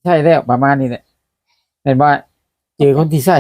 ใช่แล้วประมาณนี้แหละเห็นว่าเจอคนที่ใช่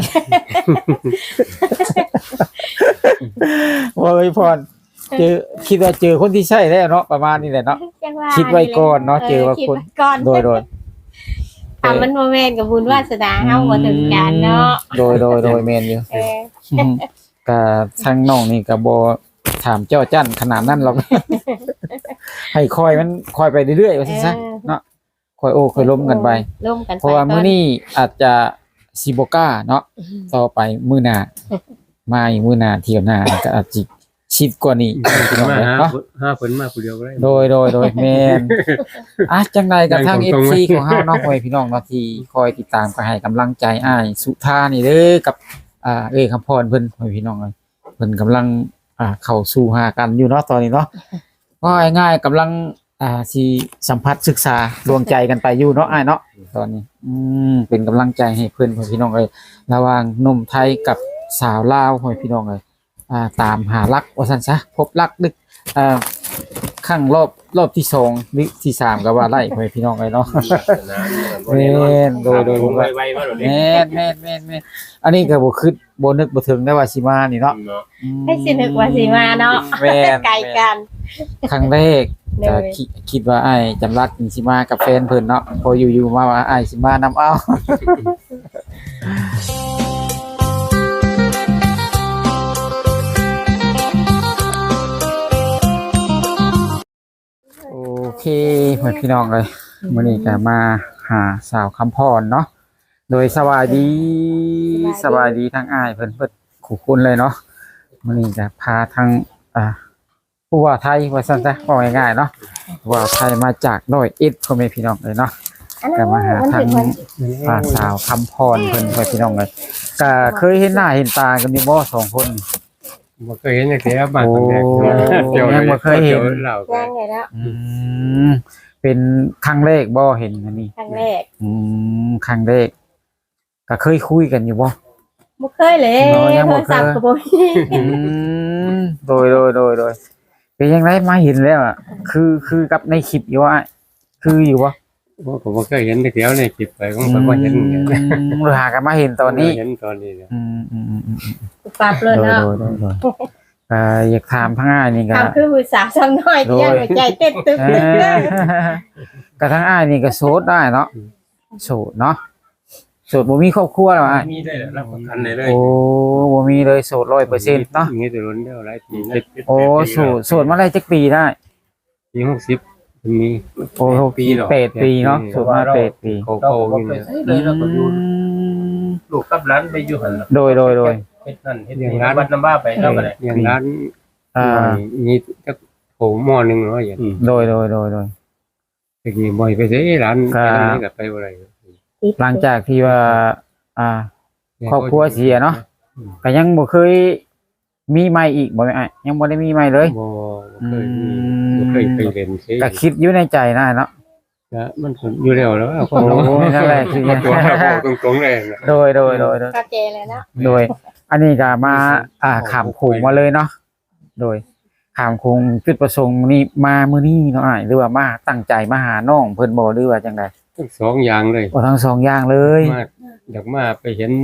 ว่าไว้พรเจอคิดว่าเจอคนที่ใช่แล้วเนาะประมาณนี้แหละเนาะจังว่าคิดไว้ก่อนเนาะเจอว่าคิดคนไว้ก่อนโดยถ้ามันบ่แม่นกับบุญวาสนาเฮาบ่ถึงกันเนาะโดยแมนอยู่เออก็ทางน้องนี่ก็บ่ถามเจ้าจั่นขนาดนั้นหรอก ให้คอยมันคอยไปเรื่อยๆว่าซั่นซะเนาะคอยโอ้คอยล้มกันไปล้มกันไปเพราะว่ามื้อนี้อาจจะสิบ่กล้าเนาะต่อไปมื้อหน้ามาอีกมื้อหน้าเที่ยวหน้าก็อาจสิชิดกว่านี้พี่น้องมาเอ้ยหาเนาะเพิ่นมาผู้เดียวก็ได้โดยแม่นจังไดกับทาง FC ของเฮาเนาะพ่อแม่พี่น้องเนาะที่คอยติดตามก็ให้กำลังใจอ้ายสุธานี่เด้อกับคำพรเพิ่นพ่อแม่พี่น้องเอ้ยเพิ่นกำลังเข้าสู่หากันอยู่เนาะตอนนี้เนาะว่าง่ายๆกำลังสิสัมผัสศึกษาดวงใจกันไปอยู่เนาะอ้ายเนาะตอนนี้เป็นกำลังใจให้เพิ่นพ่อแม่พี่น้องเอ้ยระหว่างหนุ่มไทยกับสาวลาวพ่อแม่พี่น้องเอ้ยตามหารักว่าซั่นซะพบรักดึกครั้งรอบที่2หรือที่3ก็ว่าไล่พ่อแม่พี่น้องเอ้ยเนาะแม่นโดยผมว่าไวๆมาโดดแม่นอันนี้ก็บ่คิดบ่นึกบ่ถึงได้ว่าสิมานี่เนาะให้สินึกว่าสิมาเนาะแม่นไกลกันครั้งแรกก็คิดว่าอ้ายจำรัดสิมากับแฟนเพิ่นเนาะพออยู่ๆมาว่าอ้ายสิมานำเอาโอเคเพื่อนพี่น้องเลยมื้อนี้ก็มาหาสาวคำพรเนาะโดยสวัสดีทั้งอ้ายเพิ่นคู่คุณเลยเนาะมื้อนี้ก็พาทั้งผู้ว่าไทยว่าซั่นซะว่าง่ายๆเนาะผู้ว่าไทยมาจาก101พ่อแม่พี่น้องเลยเนาะก็มาหาทางสาวคำพรเพิ่นพ่อพี่น้องเลยก็เคยเห็นหน้าเห็นตากันอยู่บ่สองคนบ่เคยเห็นจังซี่ครับบ้านคนแรกยังบ่เคยเห็นเล่าย่างเลยเนาะเป็นครั้งแรกบ่เห็นอันนี้ครั้งแรกครั้งแรกก็เคยคุยกันอยู่บ่บ่เคยเลยเนาะยังบ่เคยโทรศัพท์ก็บ่มีโดยเป็นยังไงมาเห็นแล้วอ่ะคือกับในคลิปอยู่ว่าคืออยู่บ่ผมบ่เคยเห็นแต่เดียวในคลิปไปผมก็บ่เห็นเราหากันมาเห็นตอนนี้เห็นตอนนี้เนี่ยปรับเลยเนาะโดยอยากถามทั้งอ้ายนี่ก็ทำคือผู้สาวซ้ำน้อยที่ยังหัวใจเต้นตึกๆก็ทั้งอ้ายนี่ก็โสดได้เนาะโสดเนาะโสดบ่มีครอบครัวแล้วอ้ายมีได้รับประกันได้เลยโอ้บ่มีเลยโสด100%เนาะมีแต่ล้นเดียวหลายปีโอ้โสดมาได้จักปีได้ปี60มีโอ้6 ปี8 ปีเนาะโสดมา8 ปีโกอยู่เนี่ยเลยเราก็อยู่ลูกกับร้านไปอยู่หันโดยเฮ็ดนั่นเฮ็ดนี่วัดน้ำบ้าไปแล้วก็ได้อย่างร้านมีจักโหหม้อนึงเนาะอย่างโดยตะกี้บ่อยไปเด้ร้านไปทางนี้ก็ไปบ่ได้หลังจากที่ว่าครอบครัวเสียเนาะก็ยังบ่เคยมีใหม่อีกบ่แม่นอ้ายยังบ่ได้มีใหม่เลยบ่เคยไปเล่นซิก็คิดอยู่ในใจนะเนาะมันอยู่แล้วแล้วคโอ้นนั่นแหละคือตัวตรงๆเลยโดยก็เจเลยเนาะโดยอันนี้ก็มาขามโขงมาเลยเนาะโดยขามโขงจุดประสงค์นี่มามื้อนี้เนาะอ้ายหรือว่ามาตั้งใจมาหาน้องเพิ่นบ่หรือว่าจังได๋ทั้งสองอย่างเลยโอ้ทั้งสองอย่างเลยมาอยากมาไปเห็น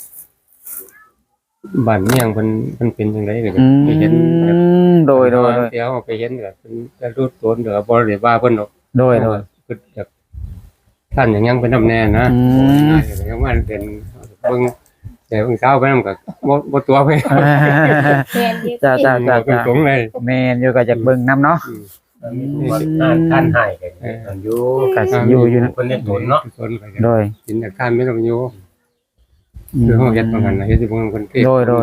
บ้านเมียงมันเป็นจังได๋ก็ไปเห็นโดยเดี๋ยวไปเห็นก็เป็นจะรูดตนเด้อบ่ได้ว่าเพิ่นดอกโดยคืออยากท่านอย่างยังเป็นนำแน่นะยังว่าเป็นเบิ่งแต่เพิ่งเช้าไปนำก็บ่ตัวไปเรียนยืดจ้าตรงๆเลยแม่นอยู่ก็อยากเบิ่งนํเนาะมีท่านให้กันอยู่ก็สิอยู่นะคนเล่นตนเนาะตนไปโดยกินแต่ท่านไม่ต้องอยู่คือเฮาเฮ็ดเหมือนกันนะเฮ็ดสิบ่เหมือนคนเทศโดย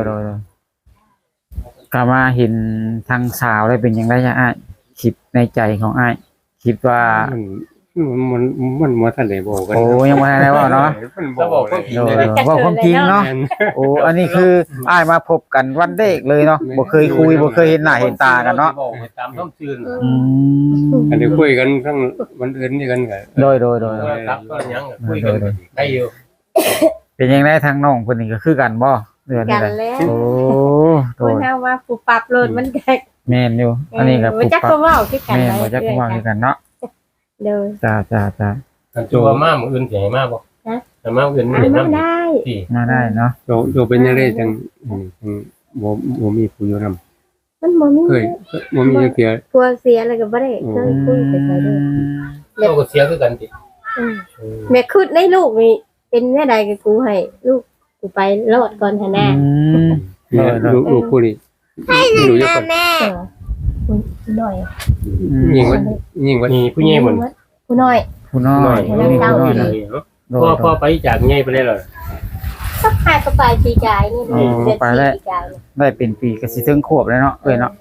ก็มาเห็นทางสาวได้เป็นยังไงจ้ะอ้ายคิดในใจของอ้ายคิดว่ามันบ่ทันได้บอกกันโอ้ยังบ่ทันได้เว้าเนาะมันบอกว่าโดยเว้าความจริงเนาะโอ้อันนี้คืออ้ายมาพบกันวันแรกเลยเนาะบ่เคยคุยบ่เคยเห็นหน้าเห็นตากันเนาะตามท้องชื่นอันนี้คุยกันทั้งวันอื่นนี่กันก็โดยครับก็ยังคุยกันได้อยู่เป็นยังไงทางน้องเพิ่นนี่ก็คือกันบ่เดือนกันี้นแหละแล้วโอ้โดคนยเฮาว่าผู้ปรับโลดมันแกแม่นอยู่อันนี้ก็บ่จักก็เว้าคือกันแม่นบ่จักว่าคือกันเนาะเด้อจ้าก็อันตัวมามื้ออื่นสิให้มาบ่แต่มามื้ออื่นอ่ะเห็นมานำได้ที่มาได้เนาะโตเป็นจังได๋จังบ่มีผู้อยู่นำมันบ่มีเคยบ่มีจักเทื่อกลัวเสียแล้วก็บ่ได้เคยคุยไปใส่เลยโตก็เสียคือกันติแม่คิดในลูกนี่เป็นแม่ใดก็กูให้ลูกกูไปรอดก่อนหั่นน่ะลูกผู้นี้อยู่อยู่คนแม่หน่อยยิ่งว่ามีผู้ใหญ่บ่กูหน่อยผู้น้อน้อย ยมีผู้น้อยเลนะยเนาะพอไปจากใหญ่ไปได้เลยก็พาก็ไปปีกายนี่เดือนปีกายได้เป็นปีก็สิถึงขวบแล้วเนาะเนาะ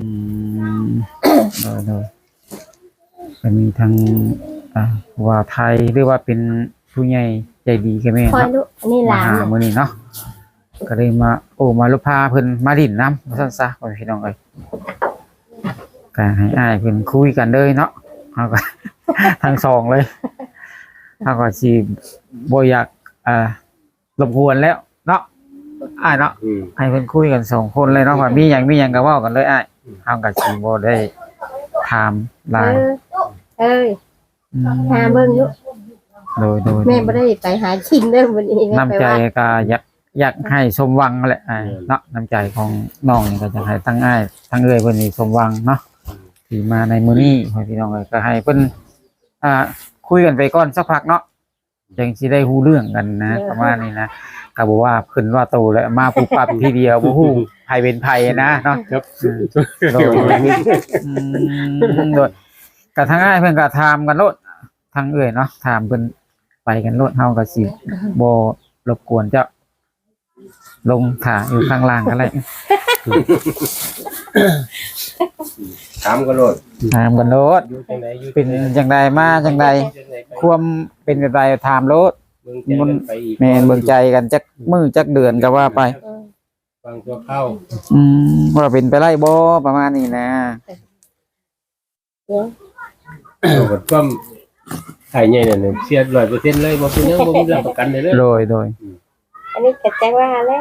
โดยก็มีทั้งว่าไทยหรือว่าเป็นผู้ใหญ่ใจดีกับแม่คอยเนาะลูกนี่หมาลานหามื้อนี้เนาะก็เลยมามาลุพาเพิ่นมาดินน้ำว่าซั่นซะพ่อพี่น้องเอ้ยก็ให้อ้ายเพิ่นคุยกันเลยเนาะเฮาก็ ทั้งสองเลยเฮาก็สิบ่อยากรบกวนแล้วเนาะอ้ายเนาะให้เพิ่นคุยกันสองคนเลยเนาะว่ามีหยังก็เว้ากันเลยอ้ายเฮาก็สิบ่ได้ถามหลายเอ้ยหาเบิ่งลูกโดยแม่บ่ได้ไปหากินเด้อมื้อนี้น้ำใจก็อยากให้สมหวังแหละเนาะน้ำใจของน้องนี่ก็จะให้ทั้งอ้ายทั้งเอ้ยเพิ่นนี่สมหวังเนาะที่มาในมื้อนี้พี่น้องเอ้ยก็ให้เพิ่นคุยกันไปก่อนสักพักเนาะจังสิได้ฮู้เรื่องกันนะประมาณนี้นะก็บ่ว่าเพิ่นว่าโตแล้วมาปุ๊บปั๊บทีเดียวบ่ฮู้ไผเป็นไผนะเนาะครับโดยโดยก็ทั้งอ้ายเพิ่นก็ถามกันโลดทั้งเอ้ยเนาะถามเพิ่นไปกันโลดเฮาก็สิบ่รบกวนเจ้าลงถ่าอยู่ข้างล่างกันเลยถามก็โลดถามกันโลดอยู่จังไดอยู่เป็นจังใดมาจังใดความเป็นจังใดถามโลดมันไปอีกแม่นเบิ่งใจกันจักมื้อจักเดือนก็ว่าไปฟังตัวเข้าว่าเป็นไปได้บ่ประมาณนี้นะตัวกับความไข่ใหญ่เนี่ยเสีย100%เลยบ่เป็นหยังบ่มีรับประกันเลยเลยโดยอันนี้ก็แจ้งว่าแล้ว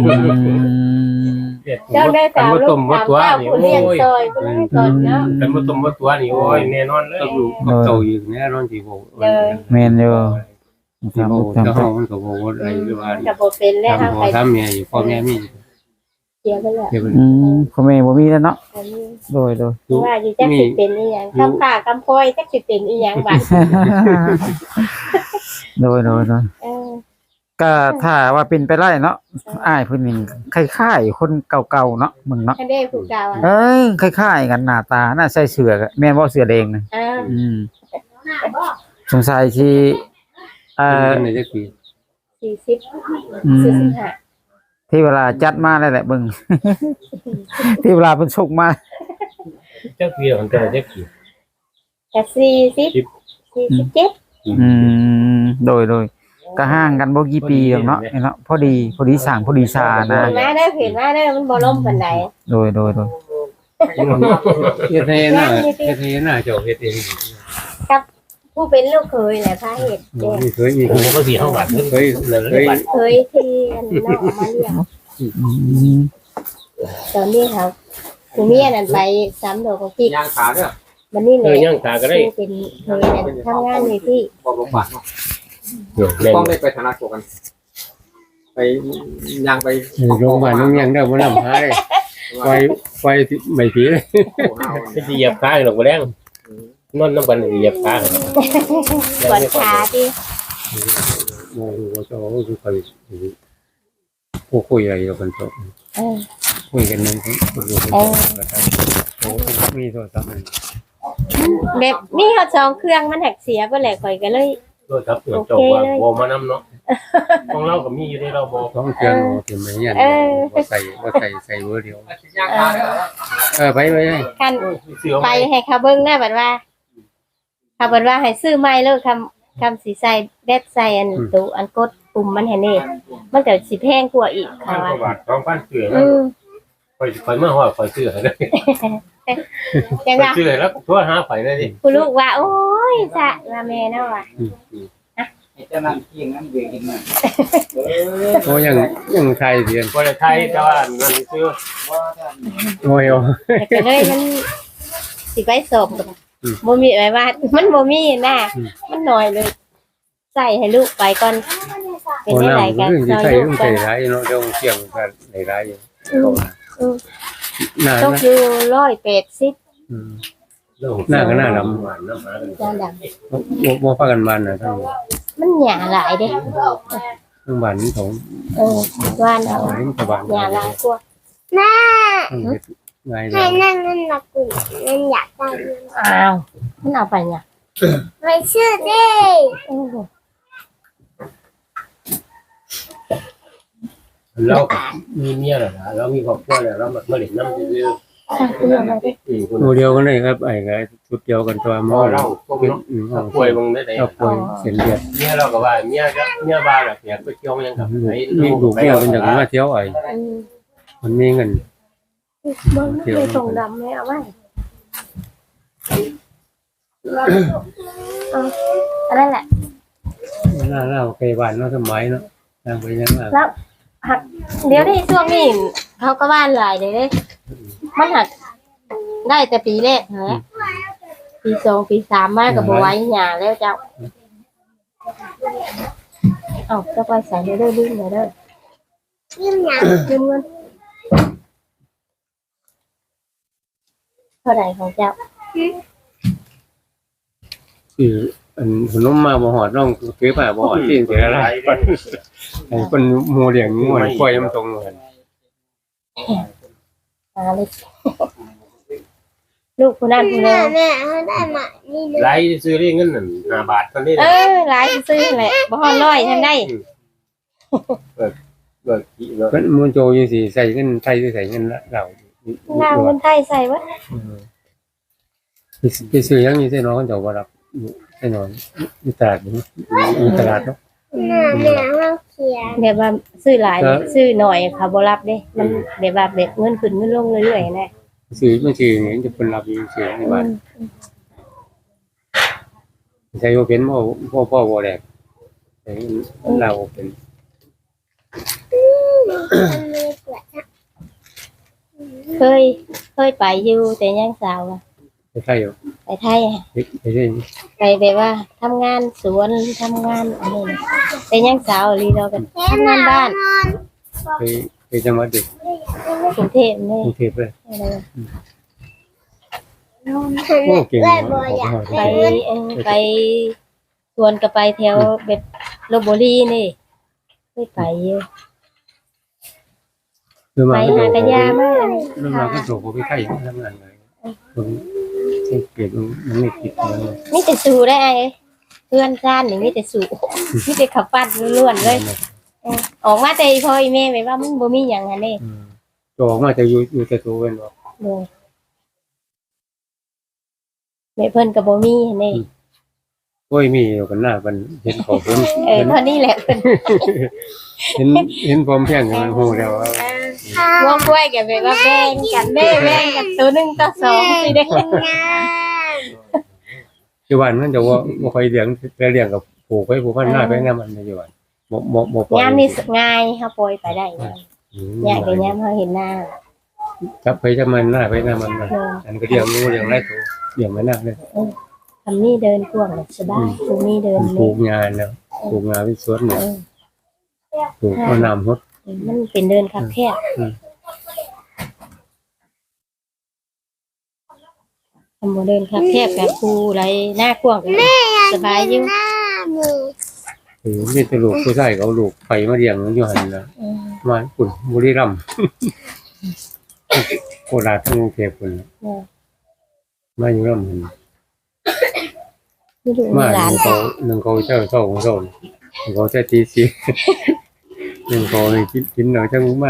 เจ้าเจ้าได้กัสาน วบ่ลูต้กมบ่สาวตัวเจ้านี่ผู้โอ้เลี้ยงยซอยผู้เลี้ยงก่อนเนาะกันบ่ต้มบ่ตัวนี่โอ้ยแน่นอนเลยกับลูกกับโตอยู่แน่นอนสิบ่แม่นอยู่สิบ่เจ้าของมันก็บ่ว่าอะไรหรือว่าก็บ่เป็นแล้วทำพ่อทำแม่อยู่พ่อแม่มีเสียไปแล้วเดี๋ยวมันพ่อแม่บ่มีแล้วเนาะอันนี้โดยว่าอยู่จักสิเป็นอีหยังคำผ้าคำพอยจักสิเป็นอีหยังบัดโดยเออก็ถ้าว่าเป็นไปได้เนาะอ้ายเพิ่นนี่คล้ายๆคนเก่าๆเนาะมึงเนาะคันได้ผู้กล่าวอ่ะคล้ายๆกันหน้าตาน่าใส่เสื้อก็แม่นบ่เสื้อแดงนะ สงสัยที่ในจักปี 40 45 ที่เวลาจัดมาได้แหละเบิ่ง ที่เวลาเพิ่นส่งมาจักปีของแต่ละจักปีก็47 โดยก็ห่างกันบ่กี่ปีหรอกเนาะเนาะพอดีสร้างพอดีชานะเห็นมาเด้อเห็นมาเด้อมันบ่ล่มปานใดโดยเฮ็ดให้น่ะเจ้าเฮ็ดเองผู้เป็นลูกเคยแหละพาเฮ็ดแจ้งมีเคยมีผมก็สิเฮาบาดเคยเคยที่อันน้องเอามาเลี้ยงตอนนี้เขาผู้เมียนั่นไป3ดอกของพี่ย่างขาเด้อมันนี่แหละย่างตาก็ได้เป็นเคยนั่นทำงานอยู่ที่บ่บาดแม่นต้องได้ไปธนาคารกัน ไปย่างไปโรงพยาบาลโรงยังได้บ่นำพาได้ไฟไม่ผีเลยสิเหยียบขาหรอกบ่แรงนอนนำกันเหยียบขาปวดขาที่โอ้โหเจ้าคือไปผู้คุยอะไรกันเถอะ คุยกันนึงมีโทรศัพท์แบบนี่เขาจองเครื่องมันหักเสียไปแหละข่อยก็เลยโดยครับจบว่าบ่มานำเนาะของเราก็มีอยู่ในเราบ่ต้องเครื่องเต็มเลยเนี่ยใส่เบอร์เดียวย่างขาเด้อไปคันไปให้เขาเบิ่งหน้าบัดว่าเขาบัดว่าให้ซื้อไม้เลิกคำสีใส่แดดใส่อันตูอันกดปุ่มมันเห็นนี่มันก็สิแพงกว่าอีกค่ะว่าบาท2,000เสือข่อยมาฮอดข่อยซื้อให้ได้จังว่าซื้อแล้วโทรหาข่อยเลยดิผู้ลูกว่าโอ้ยซะว่าแม่เนาะว่าจะนั่งกินนั่งเบียร์กินมาโอ้ยังไทยเดียนบ่ได้ไทยแต่ว่านั่นซื้อโอ้ยแต่ก็เลยมันสิไปสอบบ่มีไว้ว่ามันบ่มีนะมันน้อยเลยใส่ให้ลูกไปก่อนเป็นโอ้ได้น้ำหลายกันเรื่องซที่อยใช้ลูเรื่กองกัใช้นร้ายเนาะเรื่องเสี่ยงกันหลายร้ายอยู่หน้าตกอยู่180 หน้าก็หน้าดำจานดำบ่พากันบ้านน่ะทั้งมันหยาหลายเด้ทั้งบ้านของว่านเอาทั้งตะบ้านหยาหลายกว่าง่ายเลให้ยนั่นนั่นนักกุยนั่นอยากได้เงินอ้าวมันเอาไปเนี่ยไปชื่อดิโอ้โหเรามีเมียแล้วนะเรามีครอบครัวแล้วเรามาเล่นน้ำซื่อหมู่เดียวกันเลยครับไอ้ก็ชุดเดียวกันตัวหมอเราพวกเป็นน้องป่วยมึงได้ไหนเอาป่วยเส้นเลือดเมียเราก็ว่าเมียบ้าแบบอยากไปเที่ยวยังกับไหนมีลูกเดียวเป็นอย่างมาเที่ยวไอ้อืมมันมีเงินมันไม่ได้ส่งดำเลยเอาไว้อันนั้นแหละหน้าเราไปบ้านเนาะสมัยเนาะทางไปยังอ่ะแล้วหักเดี๋ยวนี้ช่วงนี้เขาก็บ้านหลายเลยเด้มันหักได้แต่ปีแรกเหรอปี2ปี3มากับบไหว้หยาแล้วเจ้าเอ้าจะไปใส่เลยเด้อลืมเลยเด้อยิ้มหนักลืมเงินเท่าไหร่ของเจ้าคืออันขนมมาบ่หอดน้องคือผ่าบ่หอดที่เสียอะไรไอ้คนโมเลี้ยงงูปล่อยมันตรงกันมาเลยลูกคนนั้นคนแม่นี้แม่เขาได้มานี่เลยไรซื้อเรื่องเงิน5 บาทตอนนี้หลายซื้อแหละบ่ฮอดร้อยทำได้เบิกกี่เนาะมันมูนโจอยู่สิใส่เงินไทยใส่เงินเรานางคนไทยใส่วะไปซื้อยังนี่ใส่น้องเจ้าบ่รับใส่น้องอยู่ตลาดนี่อยู่ตลาดเนาะแม่แม่เขาเขียนแบบว่าซื้อหลายเนี่ยซื้อหน่อยเขาบ่รับเด้มันแบบว่าแบบเงินขึ้นเงินลงเรื่อยๆนะซื้อมันซื้อนี่จะเป็นรับอยู่ซื้อในบ้านใส่บ่เป็นพ่อบ่แดกใส่เราเป็นมันมีเปลือกเคยไปอยู่แต่ยังสาวอะใช่อยู่ไปไทยอะไปเรื่อยไปแบบว่าทำงานสวนทำงานอะไรนี่แต่ยังสาวลีเราก็ทำงานบ้านไปจังหวัดเด็กกรุงเทพนี่กรุงเทพเลยอะไรวะโอ้เก่งเลยบ่อยากไปไปสวนก็ไปแถวแบบลพบุรีนี่เคยไปอยู่คือไปมาหากระยามาอันนี้เรื่องมาก็โจกไปไข่ทำงานเลยผมเก็บมันไม่คิดเลยมีแต่สูได้ไอ้เพื่อนชาตินี่มีแต่สูมีแต่ขับปั้นล้วนๆเลยออกมาแต่พ่ออีแม่ไปว่ามันบ่มีหยังอันนี้โจกมาจะอยู่แต่ตัวเป็นบอกเลยแม่เพิ่นก็บ่มีอันนี้โอ้ยมีอยู่กันหน้ามันเห็นของเพิ่นเท่านี้แหละเพิ่นเห็นพร้อมแพ่งกันโหแล้ววงกล้วยก็แบบว่าแบ่งกันแบ่งกันตัว1ต่อ2สิเด้อยู่บ้านมันจะว่าคอยเลี้ยงกับผูกไว้ผูกพันหน้าไปงานมันอยู่บ้านบ่ปล่อยยามนี้ง่ายเฮาปล่อยไปได้ยากแต่ยามเฮาเห็นหน้าจับไปจับมันหน้าไปหน้ามันอันก็เลี้ยงงูเลี้ยงไรตัวเลี้ยงไว้หน้าเลยทำนี่เดินกว้างเลยสบายตรงนี้เดินปลูนี่กงานแล้วปลูกงานเป็นสวนเนี่ยปลูกเอาน้ำฮดมันเป็นเดินคับแคบทำโมเดินคับแคบแบบกูไรหน้ากว้างสบายอยู่หน้ามือมีแต่ลูกผู้ชายเขาลูกไปมาเลี้ยงอยู่หันแล้วมาปุ่นบุรีรัมย์โคราชทั้งกรุงเทพปุ่นมาอยู่รัมย์นี่ดูมาหลานหนึ่งเขาเจ้าของเขาเขาจะตีสีหนึ่งเขากินหน่อยจังมา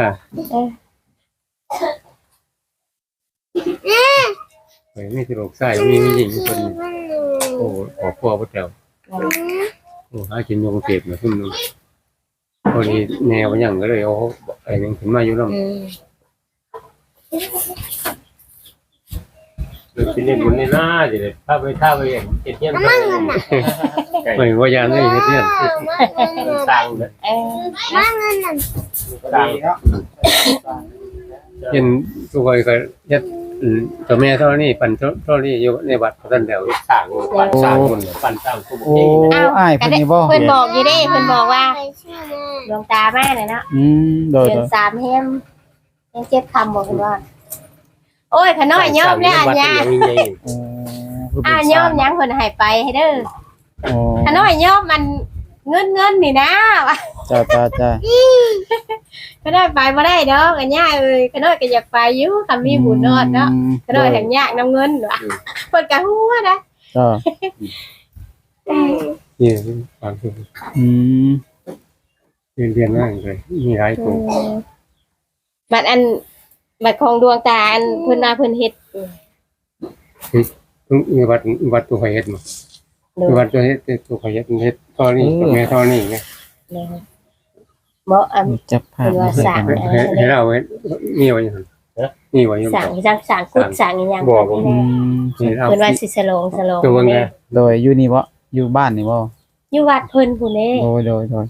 ไปไม่ตลกใส่มีหญิงคนโอ้ขอพ่อพระเจ้าโอ้หากินยงเก็บมาขึ้นนึงพอดีแนวอย่างก็เลยเอาไอ้นึงขึ้นมาอยู่แล้วเป็นเรื่องบุญในหน้าสิเลยถ้าไปเห็นเงี้ยมันไม่ว่ายานได้เฮ็ดเนี่ยสร้างเลยมาเงินนั่นสร้างเห็นตัวคอยก็ยัดเจ้าแม่เท่านี้ปั่นเท่านี้อยู่ในวัดพระท่านเดียวสร้างปั่นสร้างคนปั่นสร้างผู้โอ้เก่งอ้ายเพิ่นนี่บ่เพิ่นบอกอยู่เด้เพิ่นบอกว่าไปชื่อแม่ดวงตาแม่น่ะเนาะโดยเดืโดอนย 3แฮมยัง7คำบอกเพิ่นว่า โอ้ยขน้อยยอมแล้วอันยาโอ้ยอมยังเพิ่นให้ไปให้เด้อโอ้ขน้อยยอมมันเงินนี่นะจ้าจ้าจ้าก็ได้ไปบ่ได้ดอกอันยาเอ้ยขน้อยก็อยากไปอยู่คำมีบุญนอดเนาะขน้อยแห่งยากนำเงินว่ะเพิ่นก็ฮู้นะจ้านี่ฟังคืออืมเรียนมากเลยมีหลายตัวบัดของดวงตาอันเพิ่นว่าเพิ่นเฮ็ดมีวัดตัวเฮ็ดมาวัดตัวเฮ็ดตัวเฮ็ดเฮ็ดเท่านี้แม่เท่านี้ไงบ่อันจับภาพเพิ่นว่าสร้างให้เราเฮ็ดนี่ไว้ยังนี่ไว้ยังสร้างกุดสร้างอีหยังบอกอืมให้เราเพิ่นว่าสิสลองตัวไงโดยอยู่นี่บ่อยู่บ้านนี่บ่อยู่วัดเพิ่นผู้นี้โดยโดย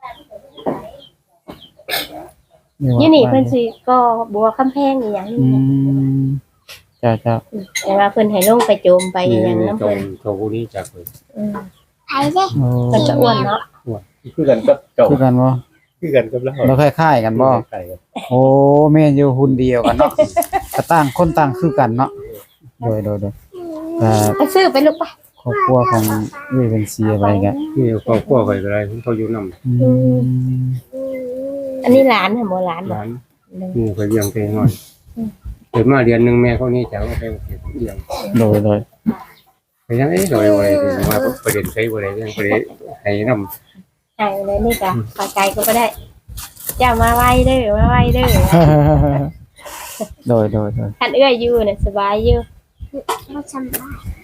อยู่นี่เพิ่นสิก็บัวคำแพงอีหยังอืมจ้าจ้าแต่ว่าเพิ่นให้ลงไปโจมไปอีหยังนำตรเพิ่งนตัวผู้นี้จากเลยไปเด้โอ้เพิ่นก็อ้วนเนาะคือกันกับเจ้าคือกันบ่คือกันกับเราเราคล้ายๆกันบ่ใช่ครับโอ้แม่นอยู่หุ่นเดียวกันเนาะก็ต่างคนต่างคือกันเนาะโดยอ่าไปซื้อไปลูกไปครอบครัวของเอ้ยเป็นเสียไปกันนี่ครอบครัวไปอะไรเขาอยู่นำอืมอันนี้หลานค่ะบ่หลานบ่ร้านนี่ไปเลี้ยงเองหน่อยเกิดมาเดือนนึงแม่เขานี่จะเอาไปเลี้ยงโดยไปยังโดยว่าประเด็นใช้บ่ได้เรื่องประเด็นให้นำใช่เลยนี่ก็ไปไกลก็บ่ได้เจ้ามาไว้เด้อมาไว้เด้อโดยคันเอื้อยอยู่น่ะสบายอยู่เราจำได้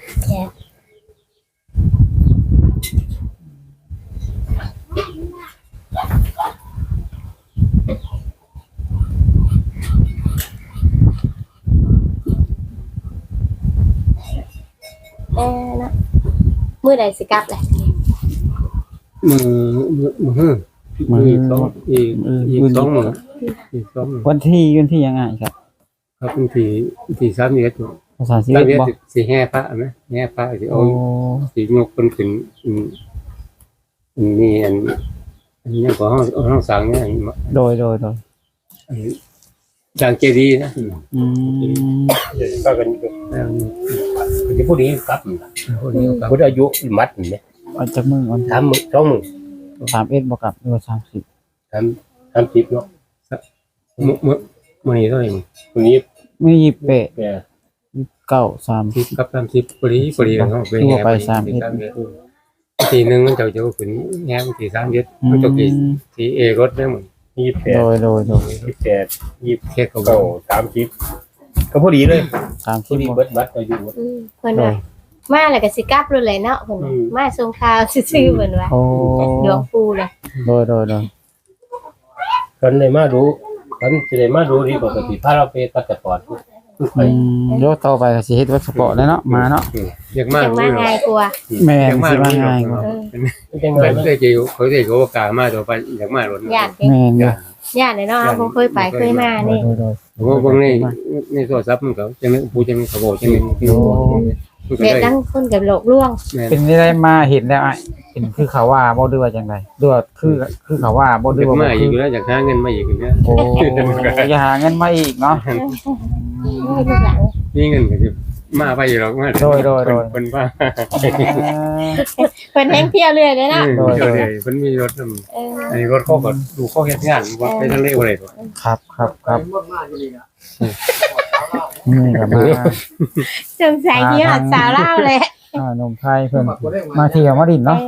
เนาะมื้อใดสิกลับแหละมือต้องอีก2มื้ออีก2มื้อวันที่ยังไงครับครับเป็นที่3เดือนภาษาสิ 3 เอ็ดเดือนบ่สิแห่พระมั้ยแห่พระสิโอ้เอาสิยกเพิ่นขึ้นนี่อันนี้ก็ห้องสร้างเนี่ยโดยจางเจดีย์นะอืมก็กันคือผู้นี้ครับคนนี้ครับผู้อายุมัดนี่เอาจากมือก่อน 3 มื้อ 2 มื้อ 31บ่กับหรือว่า30 30เนาะมื้อนี้เท่าไหร่ผู้นี้ไม่ยิบเปะแก 9 30 10กับ30พอดีกันเฮาไปทั่วไปทีนึงมันจะขึ้นแง่ที่3เดือนอืมันจะมกี่ที่รถได้หมด 28 28 28 เฮ็ดเขา 30ก็พอดีเลยผู้นี้ 30บ่เบิดบัตรอายุเพิ่นว่ามาแล้วก็สิกลับเลยแหละเนาะเพิ่นมาส่งข่าวซื่อๆเพิ่นว่าโอ้ดวงปูเลยโดยคนได้มาดูคนสิได้มาดูที่ปกติพาเราไปปัสสาวะไปเดี๋ยวต่อไปก็สิเฮ็ดวัดสปอร์ตแล้วเนาะมาเนาะอยากมาจังมาง่ายกว่าแม่นสิมาง่ายกว่าจังเพิ่ได๋นได้จิเขาได้ก็กล้ามาต่อไปอยากมารถญาติแม่นอยู่ญาติเลยเนาะบ่เคยไปเคยมานี่โดยเพราะว่าบางในโทรศัพท์มันก็จังผู้จังเขาบอกจังมันก็เด็กได้ทั้งคนกับโลกล่วงเป็นได้มาเห็นแล้วอ่ะเป็นคือเขาว่าบ่ด้วยว่าจังไดด้วยคือเขาว่าบ่ด้วยอยากว่ามาอีกแล้วอยากหาเงินมาอีกเนี่ยโอ้อย่าหาเงินมาอีกเนาะนี่เงินก็จะมาไปอยู่หรอกมาเป็นว่าเพิ่นแฮงเที่ยวเรื่อยเลยเนาะเดี๋ยวเพิ่นมีรถอันนี้รถเขาก็ดูเขาเฮ็ดงานว่าไปทะเลบ่ได้ครับนี่ก็มาสงสัยที่หอดสาวเล่าเลยนมไทยเพิ่นมาเที่ยวมาดินเนาะ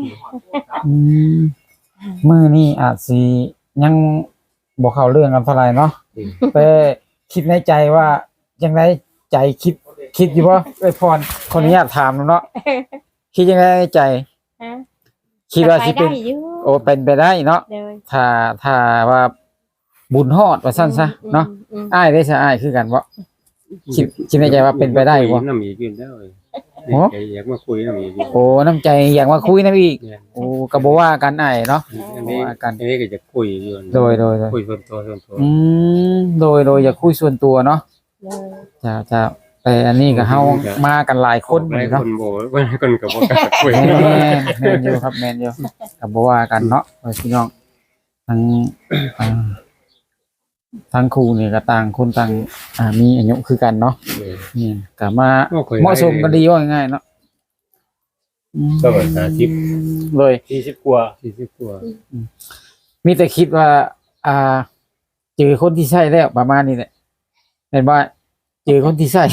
มื้อนี้อาจสิยังบ่เข้าเรื่องกันเท่าไหร่เนาะแต่คิดในใจว่าจังไดใจคิดอยู่บ่เอ้ยพรขออนุญาตถามเนาะคิดจังไดในใจ คิดว่าสิเป็นโอ้เป็นไปได้เนาะถ้าว่าบุญฮอดว่าซั่นซะเนาะอ้ายได้ซะอ้ายคือกันบ่คิดในใจว่าเป็นไปได้บ่น้ำอีกอยู่แล้วอยากมาคุยน้ำอีกโอ้น้ำใจอยากมาคุยนำอีกโอ้ก็บ่ว่ากันอ้ายเนาะอันนี้ก็จะคุยอยู่โดยคุยส่วนตัวโดยอยากคุยส่วนตัวเนาะจะแต่อันนี้ก็เฮามากันหลายคนหลายเนาะคนโบว่าคนกับบ่กล้าคุยแม่นอยู่ครับแม่นอยู่ก็บ่ว่ากันเนาะพี่น้องทั้งอ่าทั้งครูนี่ก็ต่างคนต่างมีอายุคือกันเนาะนี่ก็มาเหมาะสมกันดีว่าง่ายๆเนาะก็ว่า50 เลย 40กว่า 40กว่ามีแต่คิดว่าเจอคนที่ใช่แล้วประมาณนี้แหละเห็นว่าเจอคนที่ใช่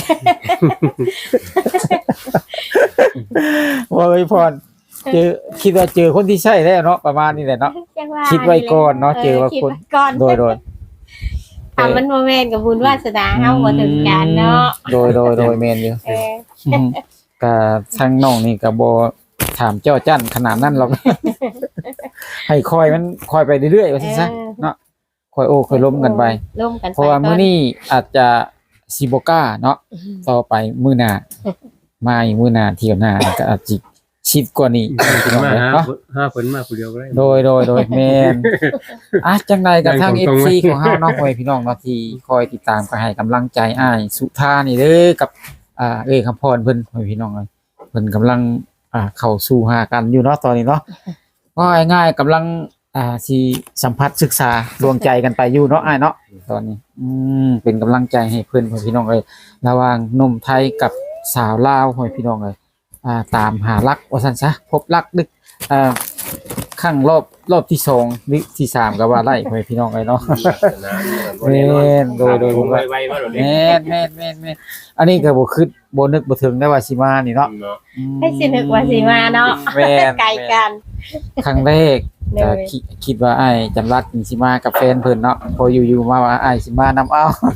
ว่าไว้พรเจอคิดว่าเจอคนที่ใช่แล้วเนาะประมาณนี้แหละเนาะจังว่าคิดไว้ก่อนเนาะเจอว่าคิดคนไว้ก่อนโดยทำมันบ่แม่นกับบุญวาสนาเฮาบ่ถึงกันเนาะโดยแมนอยู่เออก็ทางน้องนี่ก็บ่ถามเจ้าจั่นขนาดนั้นหรอก ให้คอยมันคอยไปเรื่อยๆว่าซั่นซะเนาะคอยโอ้คอยล้มกันไปล้มกันไปเพราะว่ามื้อนี้อาจจะสิบ่กล้าเนาะต่อไปมื้อหน้ามาอีกมื้อหน้าเที่ยวหน้าก็อาจสิชิดกว่านี้พี่น้องมาเอ้ยหาเนาะเพิ่นมาผู้เดียวก็ได้โดยแม่นจังใดกับทางตรง FC ๆของเฮาเนาะพ่อแม่พี่น้องเนาะที่คอยติดตามก็ให้กำลังใจอ้ายสุธานี่เด้อกับคำพรเพิ่นพ่อแม่พี่น้องเอ้ยเพิ่นกำลังเข้าสู่หากันอยู่เนาะตอนนี้เนาะก็ง่ายๆกำลังสิสัมผัสศึกษาดวงใจกันไปอยู่เนาะอ้ายเนาะตอนนี้เป็นกำลังใจให้เพิ่นพ่อแม่พี่น้องเอ้ยระหว่างหนุ่มไทยกับสาวลาวพ่อแม่พี่น้องเอ้ยตามหารักว่าซั่นซะพบรักดึกครั้งรอบที่2หรือที่3ก็ว่าไล่พ่อแม่พี่น้องเอ้ยเนาะ แม่นโดยผมไวๆว่าโดดเด้แม่นอันนี้ก็บ่คิดบ่นึกบ่ถึงได้ว่าสิมานี่เนาะเนาะให้สินึกว่าสิมาเนาะแม่นไกลกันครั้งแรกเลยก็คิดว่าอ้ายจำรัดสิมากับแฟนเพิ่นเนาะพออยู่ๆมาว่าอ้ายสิมานำเอา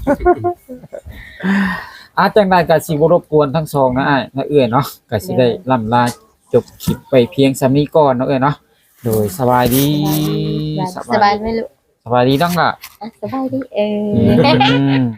จังได๋ก็สิบ่รบกวนทั้งสองนะอ้ายนะเอื้อยเนาะก็สิได้ล่ำลาจบคลิปไปเพียงส่ำนี้ก่อนเนาะเอ้ยเนาะโดยสบายดีสบายไหมลูกสบายดีดังล่ะสบายดีอืม